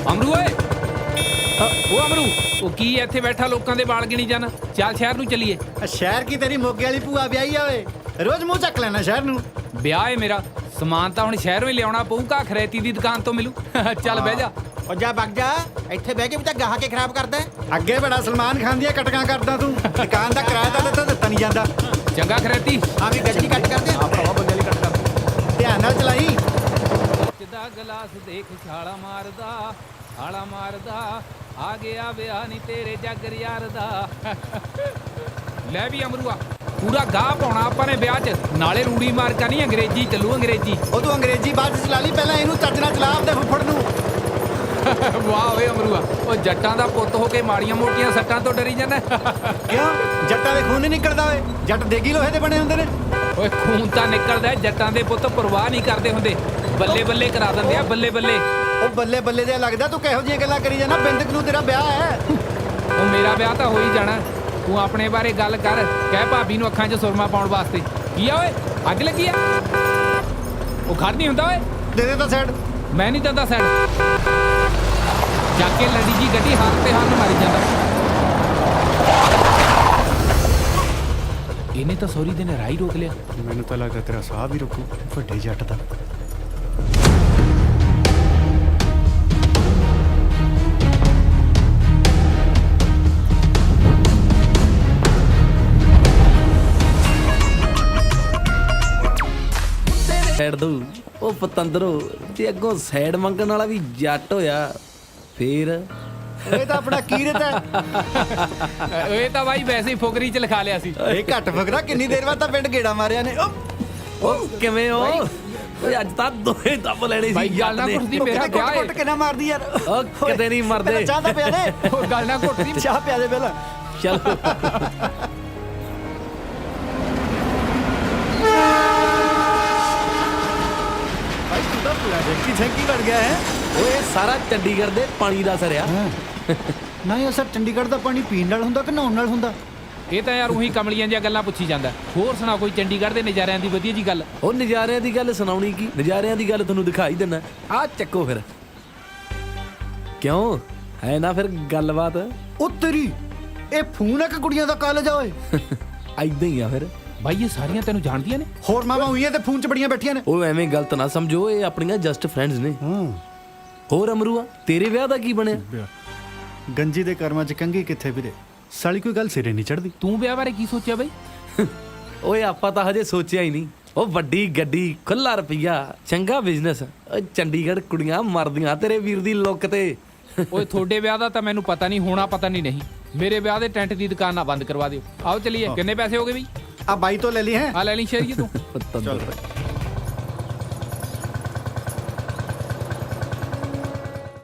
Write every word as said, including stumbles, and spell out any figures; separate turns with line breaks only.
ਅਮਰੂ ਓਏ ਉਹ ਅਮਰੂ ਉਹ ਕੀ ਇੱਥੇ ਬੈਠਾ ਲੋਕਾਂ ਦੇ ਵਾਲ ਗਿਣੀ ਜਾਣਾ। ਚੱਲ ਸ਼ਹਿਰ ਨੂੰ ਚੱਲੀਏ।
ਸ਼ਹਿਰ ਕੀ ਤੇਰੀ ਮੋਗੇ ਵਾਲੀ ਭੂਆ ਵਿਆਹੀ ਆ ਓਏ, ਰੋਜ਼ ਮੂੰਹ ਚੱਕ ਲੈਣਾ ਸ਼ਹਿਰ ਨੂੰ।
ਵਿਆਹ ਏ ਮੇਰਾ, ਸਮਾਨ ਤਾਂ ਹੁਣ ਸ਼ਹਿਰੋਂ ਹੀ ਲਿਆਉਣਾ ਪਊਗਾ, ਖਰੇਤੀ ਦੀ ਦੁਕਾਨ ਤੋਂ ਮਿਲੂ। ਚੱਲ ਬਹਿ ਜਾ।
ਉਹ ਜਾ ਵਗ ਜਾ, ਇੱਥੇ ਬਹਿ ਕੇ ਵੀ ਤਾਂ ਗਾਹ ਕੇ ਖਰਾਬ ਕਰਦਾ।
ਅੱਗੇ ਬੜਾ ਸਲਮਾਨ ਖਾਨ ਦੀਆਂ ਕਟਕਾਂ ਕਰਦਾ ਤੂੰ, ਦੁਕਾਨ ਦਾ ਕਿਰਾਇਆ ਤਾਂ ਦਿੱਤਾ ਦਿੱਤਾ ਨਹੀਂ ਜਾਂਦਾ।
ਚੰਗਾ ਖਰੇਤੀ
ਆ ਵੀ ਗੱਡੀ ਕੱਟ ਕਰਦੇ ਆ ਭਰਾਵਾ, ਬੰਦੇ ਲਈ ਕੱਟ ਕਰਦੇ।
ਧਿਆਨ ਨਾਲ ਚਲਾਈ।
ਦਾ ਗਲਾਸ ਦੇਖ ਛਾਲਾ ਮਾਰਦਾ, ਛਾਲਾ ਮਾਰਦਾ, ਆ ਗਿਆ ਵਿਆਹ ਨਹੀਂ ਤੇਰੇ ਜੱਗਰ ਯਾਰ ਦਾ। ਲੈ ਵੀ ਅਮਰੂਆ, ਪੂਰਾ ਗਾਹ ਪਾਉਣਾ ਆਪਾਂ ਨੇ ਵਿਆਹ 'ਚ, ਨਾਲੇ ਰੂੜੀ ਮਾਰਕਾ ਨਹੀਂ, ਅੰਗਰੇਜ਼ੀ ਚੱਲੂ ਅੰਗਰੇਜ਼ੀ।
ਉਹ ਤੂੰ ਅੰਗਰੇਜ਼ੀ ਬਾਅਦ 'ਚ ਚਲਾ ਲਈ, ਪਹਿਲਾਂ ਇਹਨੂੰ ਚੱਜ ਨਾਲ ਚਲਾ ਆਪਦੇ ਫੁੱਫੜ ਨੂੰ।
ਵਾਹ ਓਏ ਅਮਰੂਆ, ਉਹ ਜੱਟਾਂ ਦਾ ਪੁੱਤ ਹੋ ਕੇ ਮਾੜੀਆਂ ਮੋਟੀਆਂ ਸੱਟਾਂ ਤੋਂ ਡਰੀ ਜਾਂਦਾ।
ਕਿਉਂ? ਜੱਟਾਂ ਦੇ ਖੂਨ ਨਹੀਂ ਨਿਕਲਦਾ ਓਏ, ਜੱਟ ਦੇਗੀ ਲੋਹੇ ਦੇ ਬਣੇ ਹੁੰਦੇ ਨੇ।
ਓਏ ਖੂਨ ਤਾਂ ਨਿਕਲਦਾ, ਜੱਟਾਂ ਦੇ ਪੁੱਤ ਪਰਵਾਹ ਨਹੀਂ ਕਰਦੇ ਹੁੰਦੇ, ਬੱਲੇ ਬੱਲੇ ਕਰਾ ਦਿੰਦੇ ਆ, ਬੱਲੇ ਬੱਲੇ।
ਉਹ ਬੱਲੇ ਬੱਲੇ ਜਿਹਾ ਲੱਗਦਾ, ਤੂੰ ਕਿਹੋ ਜਿਹੀਆਂ ਗੱਲਾਂ ਕਰੀ ਜਾਣਾ। ਬਿੰਦਕ ਨੂੰ ਤੇਰਾ ਵਿਆਹ ਹੈ।
ਉਹ ਮੇਰਾ ਵਿਆਹ ਤਾਂ ਹੋ ਹੀ ਜਾਣਾ, ਤੂੰ ਆਪਣੇ ਬਾਰੇ ਗੱਲ ਕਰ, ਕਹਿ ਭਾਬੀ ਨੂੰ ਅੱਖਾਂ 'ਚ ਸੁਰਮਾ ਪਾਉਣ ਵਾਸਤੇ। ਕੀ ਆ ਓਏ, ਅੱਗ ਲੱਗੀ ਆ? ਉਹ ਖੜ ਨਹੀਂ ਹੁੰਦਾ ਓਏ।
ਦੇ ਦੇ ਤਾਂ ਸਾਈਡ।
ਮੈਂ ਨਹੀਂ ਦਿੰਦਾ ਸਾਈਡ। ਚੱਕ ਕੇ ਲੜੀ ਜੀ ਗੱਡੀ ਹੱਥ ਤੇ ਹੱਥ ਮਾਰੀ ਜਾਂਦਾ। ਇਹਨੇ ਤਾਂ ਸੌਰੀ ਦੇ ਨੇ ਰਾਹ ਹੀ ਰੋਕ ਲਿਆ।
ਮੈਨੂੰ ਤਾਂ ਲੱਗਦਾ ਤੇਰਾ ਸਾਹ ਵੀ ਰੁਕੂ, ਵੱਡੇ ਜੱਟ ਦਾ।
ਸਾਈਡ ਦੋ ਉਹ ਪਤੰਦਰੋ, ਜੇ ਅੱਗੋਂ ਸਾਈਡ ਮੰਗਣ ਵਾਲਾ ਵੀ ਜੱਟ ਹੋਇਆ ਫੇਰ
ਇਹ ਤਾਂ ਆਪਣਾ ਕੀਰਤ ਹੈ।
ਇਹ ਤਾਂ ਬਾਈ ਵੈਸੇ ਹੀ ਫੁਕਰੀ 'ਚ ਲਿਖਾ ਲਿਆ ਸੀ।
ਇਹ ਘੱਟ ਫਕਰਾ, ਕਿੰਨੀ ਦੇਰ ਬਾਅਦ ਤਾਂ ਪਿੰਡ ਗੇੜਾ ਮਾਰਿਆ ਨੇ।
ਉਹ ਕਿਵੇਂ ਹੋ ਓਏ? ਅੱਜ ਤਾਂ ਦੋਹੇ ਦੱਬ ਲੈਣੇ ਸੀ
ਬਾਈ ਗੱਲ ਨਾ
ਜੱਟ ਨੇ।
ਕੁੱਟਦੀ, ਮੇਰਾ
ਕੁੱਟ
ਵਿਆਹ
ਕੁੱਟ
ਏ।
ਕੇ ਨਾ ਮਾਰਦੀ ਯਾਰ।
ਉਹ ਕਿਤੇ ਨਹੀਂ ਮਰਦੇ।
ਪਹਿਲਾਂ ਚਾਹ ਤਾਂ ਪਿਆ ਦੇ।
ਉਹ ਗੱਲ ਨਾ ਘੁੱਟਦੀ।
ਚਾਹ ਪਿਆ ਦੇ ਪਹਿਲਾਂ।
ਚਲੋ
ਭਾਈ ਤੂੰ ਤਾਂ ਪੂਰਾ ਝੰਕੀ ਝੰਕੀ ਬਣ ਗਿਆ ਹੈ।
ਓਏ ਸਾਰਾ ਚੰਡੀਗੜ੍ਹ ਦੇ ਪਾਣੀ ਦਾ ਸਰਿਆ।
ਨਾ ਇਹ ਅਸਰ ਚੰਡੀਗੜ੍ਹ ਦਾ ਪਾਣੀ ਪੀਣ ਨਾਲ ਹੁੰਦਾ ਕਿ ਨਹਾਉਣ ਨਾਲ ਹੁੰਦਾ?
ਇਹ ਤਾਂ ਯਾਰ ਉਹੀ ਕਮਲੀਆਂ ਜਿਹੀਆਂ ਗੱਲਾਂ ਪੁੱਛੀ ਜਾਂਦਾ। ਹੋਰ ਸੁਣਾ ਕੋਈ ਚੰਡੀਗੜ੍ਹ ਦੇ ਨਜ਼ਾਰਿਆਂ ਦੀ ਵਧੀਆ ਜੀ ਗੱਲ।
ਉਹ ਨਜ਼ਾਰਿਆਂ ਦੀ ਗੱਲ ਸੁਣਾਉਣੀ ਕੀ, ਨਜ਼ਾਰਿਆਂ ਦੀ ਗੱਲ ਤੁਹਾਨੂੰ ਦਿਖਾਈ ਦਿੰਨਾ। ਆਹ ਚੱਕੋ ਫਿਰ। ਕਿਉਂ ਹੈ ਨਾ ਫਿਰ ਗੱਲਬਾਤ।
ਉਹ ਤੇਰੀ ਇਹ ਫੋਨ ਹੈ ਕਿ ਕੁੜੀਆਂ ਦਾ ਕਾਲਜ ਆ ਓਏ?
ਐਦਾਂ ਹੀ ਆ ਫਿਰ।
ਬਾਈ ਇਹ ਸਾਰੀਆਂ ਤੈਨੂੰ ਜਾਣਦੀਆਂ ਨੇ?
ਹੋਰ ਮਾਵਾਂ ਹੋਈਆਂ ਤੇ ਫੋਨ 'ਚ ਬੜੀਆਂ ਬੈਠੀਆਂ ਨੇ।
ਉਹ ਐਵੇਂ ਗਲਤ ਨਾ ਸਮਝੋ, ਇਹ ਆਪਣੀਆਂ ਜਸਟ ਫਰੈਂਡਸ ਨੇ।
ਹਾਂ।
ਹੋਰ ਅਮਰੂਆ, ਤੇਰੇ ਵਿਆਹ ਦਾ ਕੀ ਬਣਿਆ?
ਗੰਜੀ ਦੇ ਕਰਮਾਂ 'ਚ ਕੰਗੀ ਕਿੱਥੇ ਵੀਰੇ, ਸਾਲੀ ਕੋਈ ਗੱਲ ਸਿਰੇ ਨਹੀਂ ਚੜਦੀ।
ਤੂੰ ਵਿਆਹ ਬਾਰੇ ਕੀ ਸੋਚਿਆ ਬਾਈ?
ਓਏ ਆਪਾਂ ਤਾਂ ਹਜੇ ਸੋਚਿਆ ਹੀ ਨਹੀਂ। ਉਹ ਵੱਡੀ ਗੱਡੀ, ਖੁੱਲਾ ਰੁਪਈਆ, ਚੰਗਾ ਬਿਜ਼ਨਸ। ਓਏ ਚੰਡੀਗੜ੍ਹ ਕੁੜੀਆਂ ਮਰਦੀਆਂ ਤੇਰੇ ਵੀਰ ਦੀ ਲੁੱਕ ਤੇ।
ਓਏ ਤੁਹਾਡੇ ਵਿਆਹ ਦਾ ਤਾਂ ਮੈਨੂੰ ਪਤਾ ਨਹੀਂ, ਹੋਣਾ ਪਤਾ ਨਹੀਂ ਨਹੀਂ। ਮੇਰੇ ਵਿਆਹ ਦੇ ਟੈਂਟ ਦੀ ਦੁਕਾਨ ਨਾ ਬੰਦ ਕਰਵਾ ਦਿਓ। ਆਓ ਚਲੀਏ। ਕਿੰਨੇ ਪੈਸੇ ਹੋ ਗਏ ਬਈ?
ਆ ਬਾਈ ਤੋਂ ਲੈ ਲਈ ਹੈ।
ਆ ਲੈ ਲਈ ਸ਼ੇਰੀਏ ਤੂੰ।
ਪਤੰਦਰ।